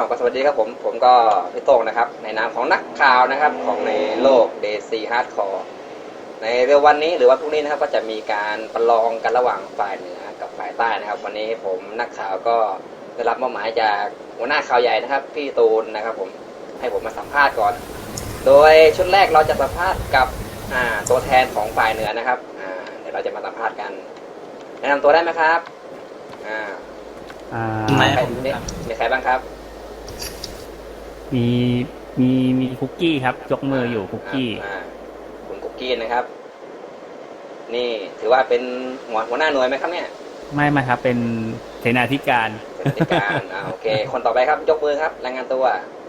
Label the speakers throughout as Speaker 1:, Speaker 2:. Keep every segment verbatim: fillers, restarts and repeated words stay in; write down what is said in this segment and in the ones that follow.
Speaker 1: ก็สวัสดีครับผมผมก็พี่โต้งนะครับในนามของนักข่าวนะครับของในโลก เด ซี Hardcore ในเร็ววันนี้หรือว่าพรุ่งนี้นะครับก็จะมีการประลองกันระหว่างฝ่ายเหนือกับฝ่ายใต้นะครับวันนี้ผมนักข่าวก็ได้รับมอบหมายจากหัวหน้าข่าวใหญ่นะครับพี่ตูนนะครับผมให้ผมมาสัมภาษณ์ก่อนโดยชุดแรกเราจะสัมภาษณ์กับตัวแทนของฝ่ายเหนือนะครับเดี๋ยวเราจะมาสัมภาษณ์กันแนะนำตัวได้ไหมครับอ่า
Speaker 2: อ่า
Speaker 1: มีใครบ้างครับ
Speaker 2: มีมีมีคุกกี้ครับยกมืออยู่คุกกี้
Speaker 1: คุณคุกกี้นะครับนี่ถือว่าเป็นหัวหัวหน้าหน่วยไหมครับเนี่ย
Speaker 2: ไม่ไม่ครับเป็นเสนาธิการ
Speaker 1: เสนาธิการอ่าโอเคคนต่อไปครับยกมือครับรายงานตัว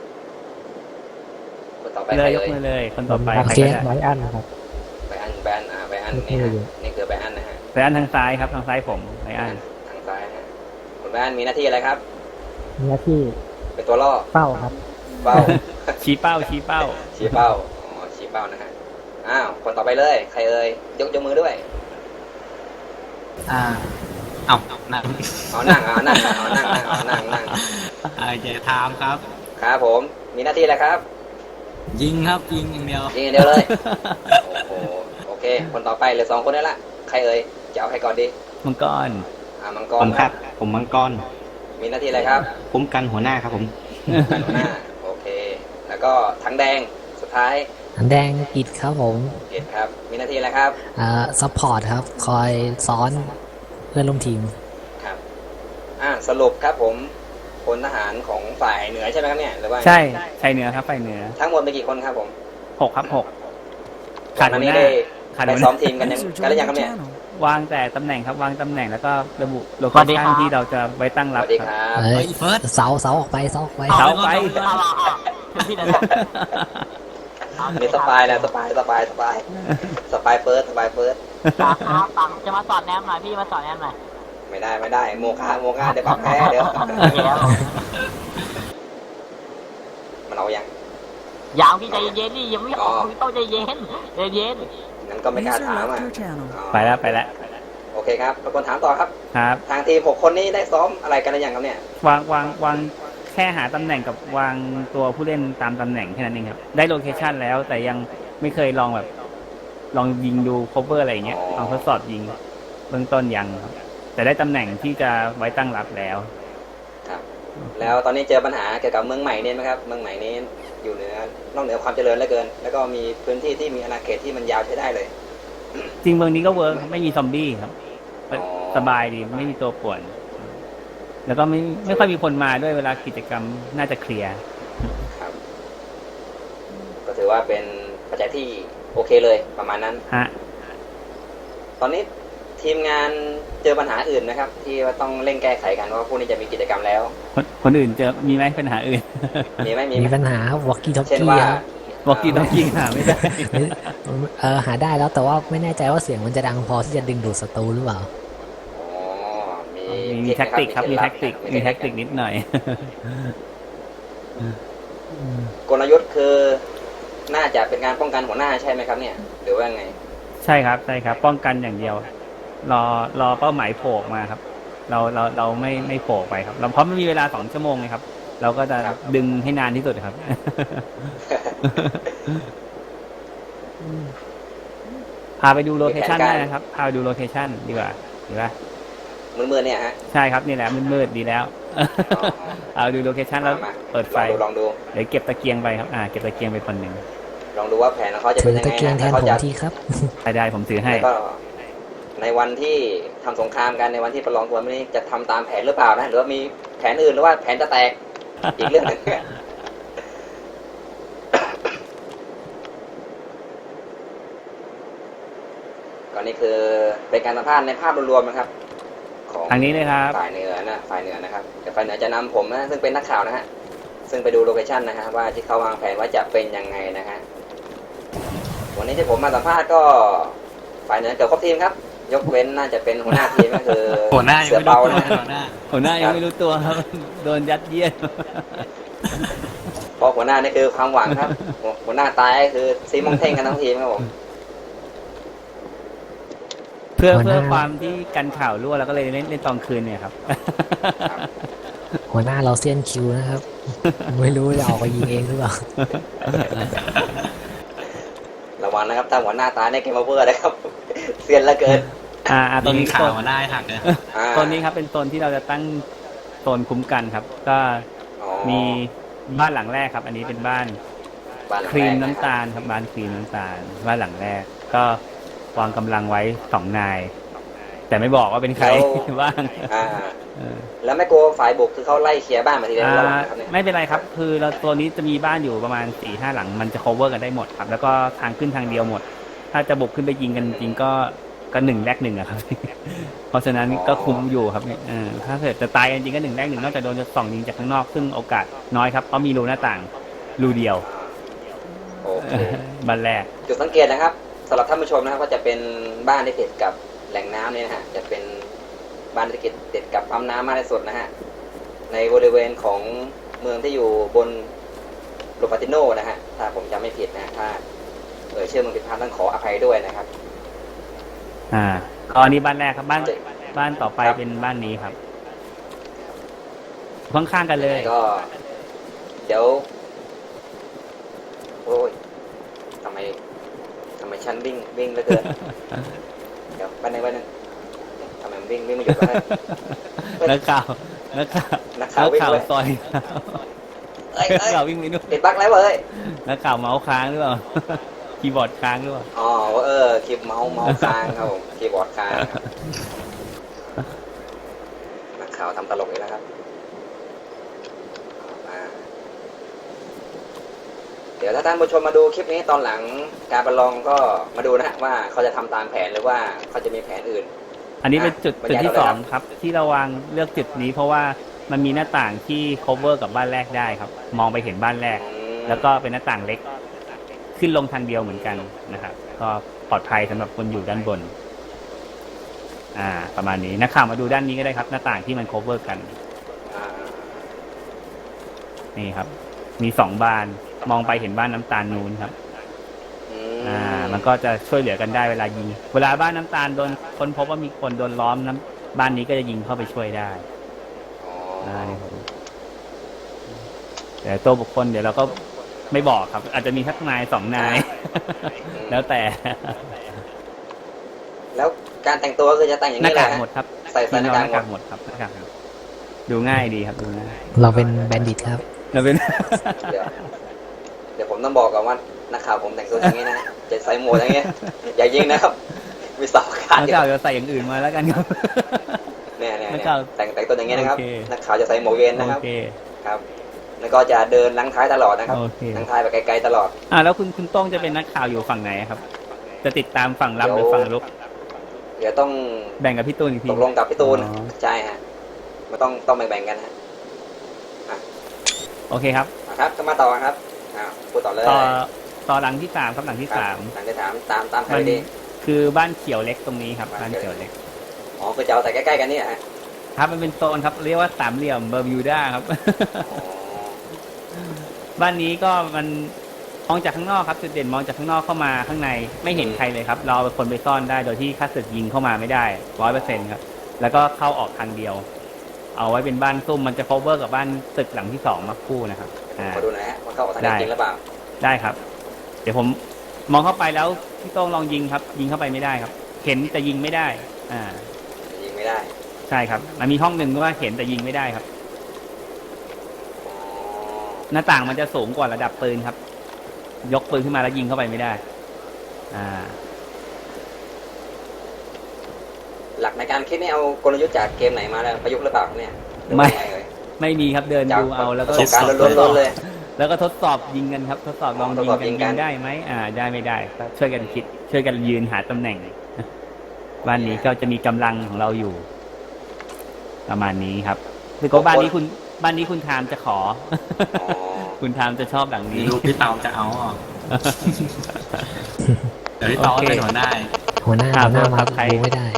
Speaker 1: คนต่อไป
Speaker 2: เลยยกมือเลยคนต่อไปใครก็ได้
Speaker 3: ไบอันครับ
Speaker 1: ไบอันไบอันอ่าไบอันนี่ฮะนี่คือไบอันนะฮะ
Speaker 2: ไบอันทางซ้ายครับทางซ้ายผมไบอัน
Speaker 1: ทางซ้ายฮะคุณไบอันมีหน้าที่อะไรครับ
Speaker 3: มีหน้าที่
Speaker 1: เป็นตัวล่อ
Speaker 3: เป้าครับ
Speaker 1: เป้า
Speaker 2: ชี้เป้าชี้เป้า
Speaker 1: ชี้เป้าอ๋อชี้เป้านะฮะอ้าวคนต่อไปเลยใครเอ่ยยกยกมือด้วย
Speaker 4: อ่าเอานั่ง
Speaker 1: เอานั่งเอานั่งเอานั่งเอานั่งนั่ง
Speaker 4: อ่าจะถามครับ
Speaker 1: ครับผมมีหน้าที่อะไรครับ
Speaker 4: ยิงครับยิงอย่างเดียว
Speaker 1: ยิงอย่างเดียวเลยโอ้โหโอเคคนต่อไปเหลือสองคนนี่ละใครเอ่ยจะเอาใครก่อนดี
Speaker 2: มังกร
Speaker 1: อ่ามังกร
Speaker 4: ผมครับผมมังกร
Speaker 1: มีหน้าที่อะไรครับ
Speaker 4: ผมกันหัวหน้าครับผม
Speaker 1: กันหัวหน้าโอเคแล้วก็ถังแดงสุดท้าย
Speaker 3: ถังแดงกิจครับผม
Speaker 1: กิจครับมีหน้าที่อะไรครับ
Speaker 3: อ่าซัพพอร์ตครับคอยซ้อนเพื่อนร่วมทีม
Speaker 1: ครับอ่าสรุปครับผมพลทหารของฝ่ายเหนือใช่ไหมครับเนี่ยหรือว่า
Speaker 2: ใช่ฝ่ายเหนือครับฝ่ายเหนือ
Speaker 1: ทั้งหมดเป็นกี่คนครับผม
Speaker 2: หกครับหก
Speaker 1: ขาดหัวหน้าไปซ้อมทีมกันยังกันแล้วยังครับเนี่
Speaker 2: ยวางแต่ตำแหน่งครับวางตำแหน่งแล้วก็ระบุโลเคชั่นที่เราจะไว้ตั้งรับ
Speaker 1: ครับ
Speaker 3: เสาเสาออกไปเสาออกไป
Speaker 2: เสาไป
Speaker 1: มีสปายนะสปายสปายสปายสปายเฟิร์สสปายเฟิร์ส
Speaker 5: ปังจะมาสอนแนมหน่อยพี่มาสอนแนมหน่อย
Speaker 1: ไม่ได้ไม่ได้โมฆะโมฆะเดี๋ยวปรับแพ้เดี๋ยวมันเอายัง
Speaker 5: ยาวพี่ใจเย็นนี่ยังไม่ออกพี่ต้องใจเย็นใจเย็น
Speaker 1: งั้นก็ไม่กล้าถามอ่ะ
Speaker 2: ไปแล้วไปแล้ว
Speaker 1: โอเคครับทุกคนถามต่อครับ
Speaker 2: ครับ
Speaker 1: ทางทีมหกคนนี้ได้ซ้อมอะไรกันหรือยังครับเนี่ยว
Speaker 2: างวางวางแค่หาตำแหน่งกับวางตัวผู้เล่นตามตำแหน่งแค่นั้นเองครับได้โลเคชั่นแล้วแต่ยังไม่เคยลองแบบลองยิงดูโคเวอร์อะไรอย่างเงี้ยลองทดสอบยิงเบื้องต้นยังแต่ได้ตำแหน่งที่จะไว้ตั้งรับแล้ว
Speaker 1: ครับแล้วตอนนี้เจอปัญหาเกี่ยวกับเมืองใหม่นี่ไหมครับเมืองใหม่นี้อยู่เหนือนอกเหนือความเจริญเหลือเกินแล้วก็มีพื้นที่ที่มีอาณาเขตที่มันยาวใช้ได้เลย
Speaker 2: จริงเมืองนี้ก็เวิร์กไม่มีซอมบี้ครับสบายดีไม่มีตัวป่วนแล้วก็ไม่ไม่ค่อยมีคนมาด้วยเวลากิจกรรมน่าจะเคลียร์
Speaker 1: ครับก็ถือว่าเป็นปัจจัยที่โอเคเลยประมาณนั้น
Speaker 2: ฮะ
Speaker 1: ตอนนี้ทีมงานเจอปัญหาอื่นนะครับที่ว่าต้องเร่งแก้ไขกันว่าพวกนี้จะมีกิจกรรมแล้ว
Speaker 2: คนคนอื่นเจอมีไหมปัญหาอื่น
Speaker 1: มีไหม
Speaker 3: มีปัญหาวอกกี้ท็อกกี้
Speaker 2: วอกกี้ท็อกกี้หาไม่ได้
Speaker 3: เออหาได้แล้วแต่ว่าไม่แน่ใจว่าเสียงมันจะดังพอที่จะดึงดูดศัตรูหรือเปล่า
Speaker 1: อ๋อมี
Speaker 2: มีแท็กติกครับมีแท็กติกมีแท็กติกนิดหน่อย
Speaker 1: กลยุทธ์คือน่าจะเป็นการป้องกันหัวหน้าใช่ไหมครับเนี่ยหรือว่าไง
Speaker 2: ใช่ครับใช่ครับป้องกันอย่างเดียวรอรอเป้าหมายโผล่มาครับเราเราเราไม่ไม่โผล่ไปครับเราเพราะไม่มีเวลาสองชั่วโมงเลยครับเราก็จะดึงให้นานที่สุดครับพาไปดูโลเคชั่นได้นะครับพาไปดูโลเคชั่นดีกว่าดีป่ะ
Speaker 1: มืดๆเนี่ยฮะ
Speaker 2: ใช่ครับนี่แหละมืดๆดีแล้วเอาดูโลเคชั่นแล้วเปิดไฟ
Speaker 1: ลองดู
Speaker 2: เดี๋ยวเก็บตะเกียงไปครับอ่าเก็บตะเกียงไปคนหนึ่ง
Speaker 1: ลองดูว่าแผนของเขาจะเป็นยังไงนะ
Speaker 3: เขาจะที่ครับ
Speaker 2: ได้ได้ผมถือให้
Speaker 1: ก็ในวันที่ทำสงครามกันในวันที่ประลองตัวนี้จะทำตามแผนหรือเปล่านะหรือว่ามีแผนอื่นหรือว่าแผนจะแตกอีกเรื่องหนึ่งก่อนนี้คือเป็นการสัมภาษณ์ในภาพรวมๆนะครับ
Speaker 2: ของทางนี้เลยครับ
Speaker 1: ฝ่ายเหนือนะฝ่ายเหนือนะครับแต่ฝ่ายเหนือจะนำผมนะซึ่งเป็นนักข่าวนะฮะซึ่งไปดูโลเคชั่นนะฮะว่าที่เขาวางแผนว่าจะเป็นยังไงนะฮะวันนี้ที่ผมมาสัมภาษณ์ก็ฝ่ายเหนือเกือบครบทีมครับยกเว้นน่าจะเป็นหัวหน้าทีมก็คือ
Speaker 4: หัวหน้า
Speaker 1: เสือเบานะ
Speaker 2: หัวหน้ายังไม่รู้ตัวครับโดนยัดเยียด
Speaker 1: เพราะหัวหน้านี่คือความหวังครับหัวหน้าตายคือซีมองเท่งกันทั้งทีมครับผม
Speaker 2: เพื่อเพื่อความที่กันข่าวรั่วแล้วก็เลยเล่นเล่นตอนคืนเนี่ยครับ
Speaker 3: หัวหน้าเราเซียนคิวนะครับ ไม่รู้จะออกไปยิงเองหรือเปล่า
Speaker 1: ระวังนะครับถ้าหัวหน้าตายในเกมโอเวอร์นะครับ เซียนเหละเกิน
Speaker 2: อ่าอ่าตรง
Speaker 4: ยิง
Speaker 2: นี้
Speaker 4: ข่า
Speaker 2: โซ
Speaker 4: วน ได้หักเลย
Speaker 1: อ่า
Speaker 2: โซนนี้ครับเป็นโซนที่เราจะตั้งโซนคุ้มกันครับ ก็
Speaker 1: อ๋อ
Speaker 2: มีบ้านหลังแรกครับ อันนี้เป็นบ้าน
Speaker 1: บ้านหลัง
Speaker 2: ครีม
Speaker 1: แกะ
Speaker 2: น้ำ
Speaker 1: บ
Speaker 2: ตาลครับบ้านครีมน้ำตาลบ้านหลังแรก ก็วางกำลังไว้สองนาย แต่ไม่บอกว่าเป็นใครบ้าง
Speaker 1: อ่า
Speaker 2: เออ
Speaker 1: แล้วไม่กลัวฝ่ายบุกคือเขาไล่เคลียร์บ้านมาทีเดียว
Speaker 2: อ่า
Speaker 1: ระวังนะครับเนี่ย
Speaker 2: ไม่เป็นไรครับ คือเราตัวนี้จะมีบ้านอยู่ประมาณสี่ห้าหลัง มันจะ cover กันได้หมดครับ แล้วก็ทางขึ้นทางเดียวหมด ถ้าจะบุกขึ้นไปยิงกันจริงๆก็ก็หนึ่งแรกหนึ่งอะครับ เพราะฉะนั้นก็คุ้มอยู่ครับเนี่ยเออถ้าเกิดจะตายกันจริงก็หนึ่งแรกหนึ่งนอกจากโดนจะส่องยิงจากข้างนอกซึ่งโอกาสน้อยครับเพราะมีรูหน้าต่างรูเดียว
Speaker 1: โอเค
Speaker 2: บ้านแรก
Speaker 1: จุดสังเกตนะครับสำหรับท่านผู้ชมนะครับก็จะเป็นบ้านที่ติดกับแหล่งน้ำเนี่ยนะฮะจะเป็นบ้านที่ติดติดกับปั๊มน้ำมากที่สุดนะฮะในบริเวณของเมืองที่อยู่บนโรปาติโนนะฮะถ้าผมจำไม่ผิดนะถ้าเอ่ยชื่อเมืองผิดพลาดต้องขออภัยด้วยนะครับ
Speaker 2: อ่าก็อันนี้บ้านแรกครับบ้านบ้านต่อไป
Speaker 1: ครับ
Speaker 2: เป็นบ้านนี้ครับข้างๆกันเลย
Speaker 1: ก็ เดี๋ยวโอ้ยทำไมทำไมฉันวิ่งวิ่งเหลือเกิน เดี๋ยวไปหนึ่งไปหนึ่งทำไมมันวิ่งวิ่งไม่หยุดวะ
Speaker 2: นักข่าวนักข่าว
Speaker 1: นักข่าววิ่ง
Speaker 2: ข่าว
Speaker 1: เลย
Speaker 2: ซอย
Speaker 1: เอ้ย
Speaker 2: นัก
Speaker 1: เอ้ย
Speaker 2: ข่าววิ่งไปนู่น
Speaker 1: ติดบั๊กแล้วเว้ย
Speaker 2: นักข่าวเมาส์ค้างหรือเปล่า คีย์บอร์ดค้างหรือเปล่า
Speaker 1: อ๋อเออคีย์เมาส์เมาส์ค้างครับผมคีย์บอร์ดค้างครับนักข่าวทำตลกอีกแล้วครับมาเดี๋ยวถ้าท่านผู้ชมมาดูคลิปนี้ตอนหลังการประลองก็มาดูนะฮะว่าเขาจะทำตามแผนหรือว่าเขาจะมีแผนอื่น
Speaker 2: อันนี้เป็นจุด
Speaker 1: อ่ะ
Speaker 2: จุดที่
Speaker 1: บรร
Speaker 2: ส
Speaker 1: ยาย
Speaker 2: อ
Speaker 1: ต่
Speaker 2: ง
Speaker 1: อเลยครับ
Speaker 2: ครับ ที่เราวางเลือกจุดนี้เพราะว่ามันมีหน้าต่างที่ cover กับบ้านแรกได้ครับ มองไปเห็นบ้านแรก
Speaker 1: อืม
Speaker 2: แล้วก็เป็นหน้าต่างเล็ก ขึ้นลงทางเดียวเหมือนกันนะครับ ก็ปลอดภัยสำหรับคนอยู่ด้านบน อ่า ประมาณนี้นักข่าวมาดูด้านนี้ก็ได้ครับ หน้าต่างที่มัน cover กัน
Speaker 1: อ่า
Speaker 2: นี่ครับ มีสองบานมองไปเห็นบ้านน้ำตาลนูนครับ
Speaker 1: อืม
Speaker 2: อ่า มันก็จะช่วยเหลือกันได้เวลายิง เวลาบ้านน้ำตาลโดนคนพบว่ามีคนโดนล้อมน้ำบ้านนี้ก็จะยิงเข้าไปช่วยได้
Speaker 1: อ๋อ
Speaker 2: อ่านี่ครับแต่ตัวบุคคลเดี๋ยวเราก็ไม่บอกครับ อาจจะมีทักนายสองนาย แล้วแต่
Speaker 1: แล้วการแต่งตัวคือจะแต่งอย่าง
Speaker 2: หน้า
Speaker 1: นี้แห
Speaker 2: กา
Speaker 1: ละ
Speaker 2: กหมดครับ
Speaker 1: ใส่ใส่หน้ากาก
Speaker 2: หน้ากากหมดครับหน้ากากหมดดูง่ายดีครับดูง่าย
Speaker 3: เราเป็นแบนดิตครับ
Speaker 2: เราเป็น
Speaker 1: เดี๋ยวเดี๋ยวผมต้องบอกก่อนว่านักข่าวผมแต่งตัวอย่างนี้นะจะใส่หมวกอย่างเงี้ยอย่ายิงนะครับ มีสองขา
Speaker 2: นัก
Speaker 1: เดีย
Speaker 2: ข่าว วจะใส่อย่างอื่นมาแล้วกันครับ
Speaker 1: เนี่ยเนี่ย
Speaker 2: นัก
Speaker 1: เนี่ย
Speaker 2: ข่าว
Speaker 1: แต่งแต่งตัวอย่างเงี้ยนะครับ
Speaker 2: โอเค
Speaker 1: นักข่าวจะใส่หมวกเย็นนะครับ
Speaker 2: โอเค
Speaker 1: ครับ แล้วก็จะเดินลังท้ายตลอดนะครับ
Speaker 2: โอเค
Speaker 1: ลังท้ายไปไกลๆตลอด
Speaker 2: อ่าแล้วคุณคุณโต้งจะเป็นนักข่าวอยู่ฝั่งไหนครับ จะติดตามฝั่งรับหรือฝั่งรุก
Speaker 1: เดี๋ยวต้อง
Speaker 2: แบ่งกับพี่ตูนอีกที
Speaker 1: ตกลงกับพี่ตูน
Speaker 2: อ๋อ
Speaker 1: ใช่ฮะมันต้องต้องแบ่งๆกันฮะ
Speaker 2: โอเคครับ
Speaker 1: อ่ะครับก็มาต่อครับอ่าพูดต่อเลย
Speaker 2: ต่อต่อหลังที่สามครับหลังที่
Speaker 1: ครับ
Speaker 2: สาม
Speaker 1: หลังจะถามตามตามใคร
Speaker 2: มัน
Speaker 1: ดี
Speaker 2: คือบ้านเขียวเล็กตรงนี้ครับ
Speaker 1: บ้า
Speaker 2: บ้าน น
Speaker 1: เขี
Speaker 2: เขี
Speaker 1: ย
Speaker 2: ยว ว
Speaker 1: เล็
Speaker 2: เล็
Speaker 1: ก
Speaker 2: ก
Speaker 1: อ๋อคือจะเอาใส่ใกล้ๆกันนี่ฮะ
Speaker 2: ครับมันเป็นโซนครับเรียกว่าสามเหลี่ยมเบอร์มิวดาครับ
Speaker 1: อ๋อ
Speaker 2: บ้านนี้ก็มันมองจากข้างนอกครับจุดเด่นมองจากข้างนอกเข้ามาข้างในไม่เห็นใครเลยครับ เราเป็นคนไปซ่อนได้โดยที่ค่าศึกยิงเข้ามาไม่ได้ร้อยเปอร์เซ็นต์ครับ แล้วก็เข้าออกทางเดียว เอาไว้เป็นบ้านซุ่มมันจะ cover กับบ้านตึกหลังที่สองมาคู่นะครับอ่า
Speaker 1: ขอดูหน่อยฮะว่าเข้าออกทาง
Speaker 2: ได้
Speaker 1: นี้จริงหรือเปล่า
Speaker 2: ได้ครับ เดี๋ยวผมมองเข้าไปแล้วพี่โต้งลองยิงครับ ยิงเข้าไปไม่ได้ครับ เห็นแต่ยิงไม่ได้ อ่า
Speaker 1: ยิงไม่ได้
Speaker 2: ใช่ครับ มันมีห้องหนึ่งว่าเห็นแต่ยิงไม่ได้ครับ
Speaker 1: อ๋อ
Speaker 2: หน้าต่างมันจะสูงกว่าระดับปืนครับ ยกปืนขึ้นมาแล้วยิงเข้าไปไม่ได้ อ่า
Speaker 1: หลักในการคิดนี่เอากลยุทธ์จากเกมไหนมาแล้วประยุกต์หรือเปล่าเนี่ยหรือ
Speaker 2: ไม่
Speaker 1: ว่ายังงเอ่ย
Speaker 2: ไม่มีครับเดิน
Speaker 1: จาก
Speaker 2: ดูเอาแล้ว
Speaker 1: ป
Speaker 2: ก็
Speaker 1: ระสบการณ์ล้วนๆเลย
Speaker 2: แล้วก็ทดสอบยิงกันครับ ทดสอบลอง
Speaker 1: ทด
Speaker 2: ยิง
Speaker 1: สอบ
Speaker 2: กัน
Speaker 1: ยิ
Speaker 2: ยิ
Speaker 1: งกัน
Speaker 2: งได้ไหมอ่า ได้ไม่ได้ก็ช่วยกันคิด ช่วยกันยืนหาตำแหน่งบ้านนี้ก็จะมีกำลังของเราอยู่ ประมาณนี้ครับคือก็บ้านนี้คุณบ้านนี้คุณทามจะขอ
Speaker 1: อ๋อ
Speaker 2: คุณทามจะชอบหลังนี้
Speaker 4: ลูกพี่เตาจะเอาอ่ะ เดี๋ยวพี่เตา
Speaker 2: โอเค
Speaker 4: เป็นหัวหน้า
Speaker 3: หัวหน้า
Speaker 2: อ่า
Speaker 3: หัวหน้ามา
Speaker 2: ครับใคร
Speaker 3: ดูไม่ได้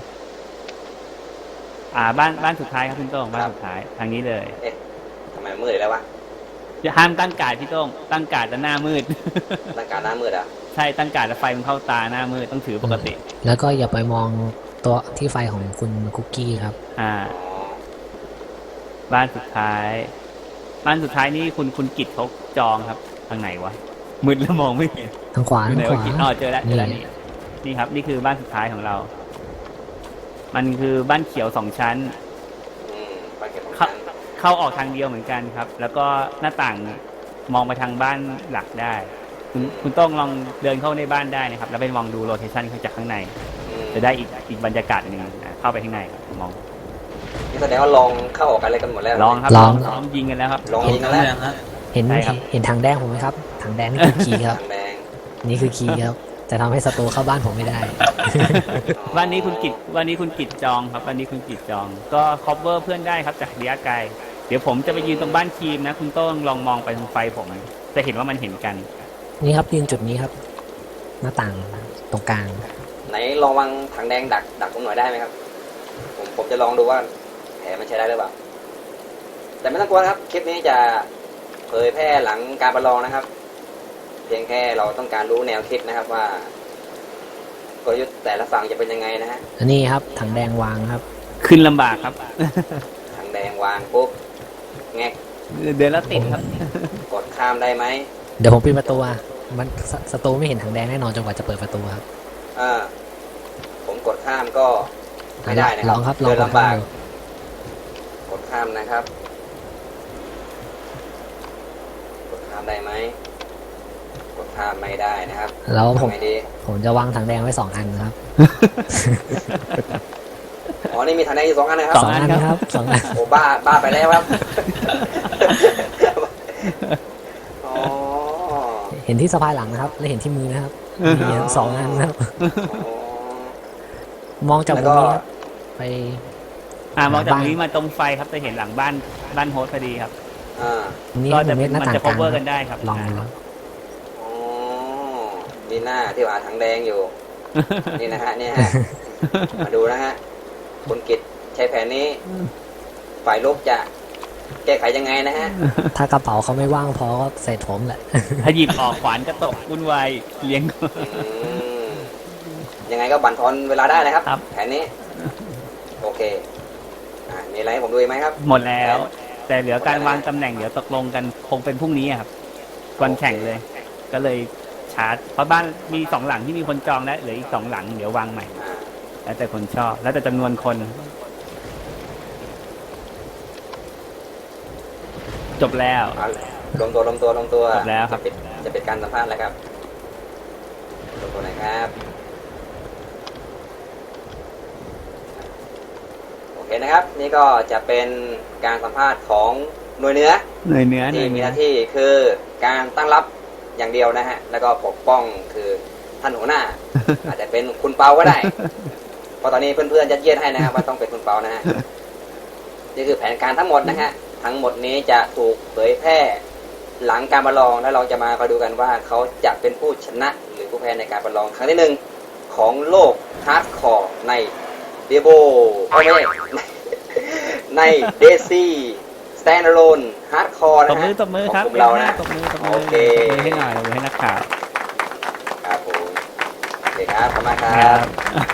Speaker 2: อ่า บ้านบ้านสุดท้ายครับคุณโต้งบ้านสุดท้ายทางนี้เลย
Speaker 1: เอ๊ะทำไมมืดอีกแล้ววะ
Speaker 2: จะห้ามตั้งการ์ดพี่โต้งตั้งการ์ดจะหน้ามืด
Speaker 1: ร่างกายหน้ามืดอ่ะ
Speaker 2: ใช่ตั้งการ์ดแล้วไฟมันเข้าตาหน้ามืดต้องถือปกติ
Speaker 3: แล้วก็อย่าไปมองตัวที่ไฟของคุณคุกกี้ครับ
Speaker 2: อ่า
Speaker 1: อ๋อ
Speaker 2: บ้านสุดท้าย บ้านสุดท้ายนี่คุณคุณกิจเขาจองครับ ทางไหนวะมืดแล้วมองไม่เห็น
Speaker 3: ทางขวา
Speaker 2: อยู่
Speaker 3: ทาง
Speaker 2: ไหน
Speaker 3: ข
Speaker 2: วะ
Speaker 3: วา
Speaker 2: กิจอ๋อเจอแล้วเจอแล้ว
Speaker 3: นี่
Speaker 2: นี่นี่ครับ นี่คือบ้านสุดท้ายของเรา มันคือบ้านเขียวสองชั้น
Speaker 1: อืมไปเก็บของ
Speaker 2: เข้า
Speaker 1: ฉัน
Speaker 2: เข้าออกทางเดียวเหมือนกันครับ แล้วก็หน้าต่างมองไปทางบ้านหลักได้ คุณคุณต้องลองเดินเข้าในบ้านได้นะครับ แล้วไปมองดูโลเคชั่นเขาจากข้างใน
Speaker 1: อืม
Speaker 2: จะได้อีกอีกบรรยากาศหนึ่งนะเข้าไปข้างในครับมอง
Speaker 1: นี่แสดงว่าลองเข้าออกกันอะไรกันหมดแล้ว
Speaker 2: ลองครับ
Speaker 3: ลอง
Speaker 2: ลองยิงกันแล้วครับ
Speaker 1: ลองยิงกันแล้ว
Speaker 3: เห็น
Speaker 2: ใช่ครับ
Speaker 3: เห็นทางแดงผมไหมครับทางแดงนี่คือคีย์ครับ
Speaker 1: ทางแดง
Speaker 3: นี่คือคีย์ครับจะทำให้ศัตรูเข้าบ้านผมไม่ได้
Speaker 2: วันนี้คุณกิจวันนี้คุณกิจจองครับวันนี้คุณกิจจอง ก็ cover เพื่อนได้ครับจากระยะไกลเดี๋ยวผมจะไปยืนตรงบ้านทีมนะ คุณต้องลองมองไปทางไฟผม จะเห็นว่ามันเห็นกัน
Speaker 3: นี่ครับยืนจุดนี้ครับ หน้าต่างตรงกลาง
Speaker 1: ไหนลองวางถังแดงดักดักผมหน่อยได้ไหมครับ ผมผมจะลองดูว่าแผลมันใช้ได้หรือเปล่า แต่ไม่ต้องกลัวนะครับ คลิปนี้จะเผยแพร่หลังการประลองนะครับ เพียงแค่เราต้องการรู้แนวคิดนะครับว่ากลยุทธ์แต่ละฝั่งจะเป็นยังไงนะฮะ
Speaker 3: อันนี้ครับถังแดงวางครับ
Speaker 2: ขึ้นลำบากครับ
Speaker 1: ถังแดงวางปุ๊บแงก
Speaker 2: เดินแล้วติดครับ
Speaker 1: กดข้ามได้ไหม
Speaker 3: เดี๋ยวผมปิดประตูอ่ะมันศศัตรูไม่เห็นถังแดงแน่นอนจนกว่าจะเปิดประตูครับ
Speaker 1: อ่าผมกดข้ามก็ไม่ได้นะค
Speaker 3: ล
Speaker 1: รั
Speaker 3: องครับลอง
Speaker 1: เดิน
Speaker 3: ลอง
Speaker 1: ลำบาก
Speaker 3: ดู
Speaker 1: กดข้ามนะครับ กดข้ามได้ไหมกดข้ามไม่ได้นะครับ
Speaker 3: แล้วผม
Speaker 1: ทำไงดี
Speaker 3: ผมจะวางถังแดงไว้สองอันครับ
Speaker 1: อ๋อนี่มีถังแดงอยู่สองอันนะครับ
Speaker 2: สองอันครับ
Speaker 3: สองอัน
Speaker 1: โอ้บ้าบ้าไปแล้วครับ อ๋อ
Speaker 3: เห็นที่สะพายหลังนะครับ และเห็นที่มือนะครับมีสองอันนะครับ
Speaker 1: อ๋อ
Speaker 3: มองจากมุมนี้ครับไป
Speaker 2: อ่ามองจาก
Speaker 3: บ้าน
Speaker 2: นี้มาตรงไฟครับจะเห็นหลังบ้านบ้านโฮสต์พอดีครับ
Speaker 1: อ่า
Speaker 3: นี่
Speaker 2: ก็
Speaker 3: ผ
Speaker 2: จะ
Speaker 3: มเม็ดหน้า
Speaker 2: มัน
Speaker 3: ต่าง
Speaker 2: จะ
Speaker 3: กลาง
Speaker 2: cover กันได้ครับ
Speaker 3: ลองดูครับ
Speaker 1: อ๋อนี่หน้าที่ว่าถังแดงอยู่ นี่นะฮะเนี่ยฮะ มาดูนะฮะ คุณกิตใช้แผนนี้ ฝ่ายลบจะแก้ไขยังไงนะฮะ
Speaker 3: ถ้ากระเป๋าเขาไม่ว่างพอก็ใส่ผมแหละ
Speaker 2: ถ้าหยิบออกขวานก็ตกวุ่นวายเลี้ยง
Speaker 1: อืมยังไงก็บั่นทอนเวลาได้นะครับ
Speaker 2: ครับ
Speaker 1: แผนนี้ โอเค อ่ามีอะไรให้ผมดูอีกไหมครับ
Speaker 2: หมดแล้ว แต่เหลือการวางตำแหน่งเดี๋ยวตกลงกันคงเป็นพรุ่งนี้อะครับวันแข่งเลย ก็เลยชาร์จเพราะบ้านมีสองหลังที่มีคนจองแล้วเหลืออีกสองหลังเดี๋ยววางใหม่
Speaker 1: อ่า
Speaker 2: แล้วแต่คนชอบ แล้วแต่จำนวนคน จบแล้ว
Speaker 1: เอาลงตัวลงตัวลงตัว
Speaker 2: จบแล้วครับ
Speaker 1: จะปิดจะปิดการสัมภาษณ์แล้วครับลงตัวไหนอยครับ โอเคนะครับ นี่ก็จะเป็นการสัมภาษณ์ของหน่วยเหนือ
Speaker 2: เหนื่อยเนื้อเหนื่
Speaker 1: ที่
Speaker 2: อย
Speaker 1: มี
Speaker 2: เนื้อ
Speaker 1: หน้าที่คือการตั้งรับอย่างเดียวนะฮะ แล้วก็ปกป้องคือท่านหัวหน้า อาจจะเป็นคุณเปาก็ได้ เพราะตอนนี้เพื่อนๆยัดเยียดให้นะครับว่าต้องเป็นคุณเปานะฮะ นี่คือแผนการทั้งหมดนะฮะ ทั้งหมดนี้จะถูกเผยแพร่หลังการประลองแล้วเราจะมาคอยดูกันว่าเขาจะเป็นผู้ชนะหรือผู้แพ้ในการประลองครั้งที่หนึ่งของโลกฮาร์ดคอร์ในเดโบไม่ใช่ ในเดซี่สแตนด์อะโลนฮาร์ดคอร์
Speaker 2: ต
Speaker 1: นะ
Speaker 2: บมื
Speaker 1: ฮะ
Speaker 2: อตบมือครับ
Speaker 1: ของกลุ่มเรานะ
Speaker 2: ตบมือตบมือ
Speaker 1: โอเค
Speaker 2: ตบมือให้หน่อยตบมือให้นักข่าว
Speaker 1: ครับผมโอเคครับขอบคุณมากค
Speaker 2: ค
Speaker 1: รั
Speaker 2: รับ บ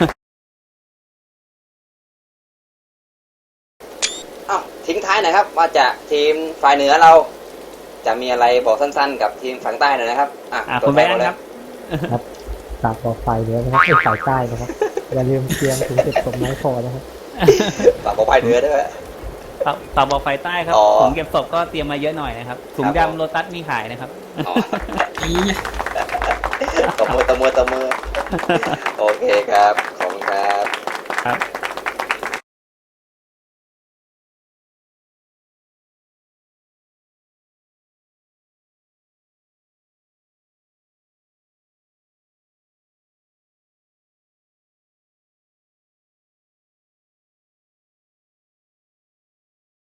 Speaker 1: อ้าวทิ้งท้ายหน่อยครับ ว่าจะทีมฝ่ายเหนือเรา จะมีอะไรบอกสั้นๆ กับทีมฝั่งใต้หน่อยนะครับอ่ะ
Speaker 2: อ่ะ
Speaker 1: ตัว
Speaker 2: คุณ
Speaker 1: แท
Speaker 2: แบ
Speaker 1: น
Speaker 2: ง
Speaker 1: ก่อน
Speaker 2: ค์
Speaker 1: เลย
Speaker 2: ครับ
Speaker 6: ครับฝากบอกฝ่ายเหนือนะครับไม่ฝ่ายใต้นะครับ อย่าลืมเตรียมถึงเก็บศพไม้พอนะครับ
Speaker 1: ฝากบอกฝ่ายเหนือด้วย
Speaker 2: ต่อต่อบอกไฟใต้ครับ
Speaker 1: อ๋อ
Speaker 2: ถุงเก็บศพก็เตรียมมาเยอะหน่อยนะครับถุง
Speaker 1: ครับผม
Speaker 2: ดำโลตัสมีขายนะครับ
Speaker 1: อ๋อตบมือตบมือตบมือโอเคครับ ขอบคุณครับ
Speaker 2: ครับ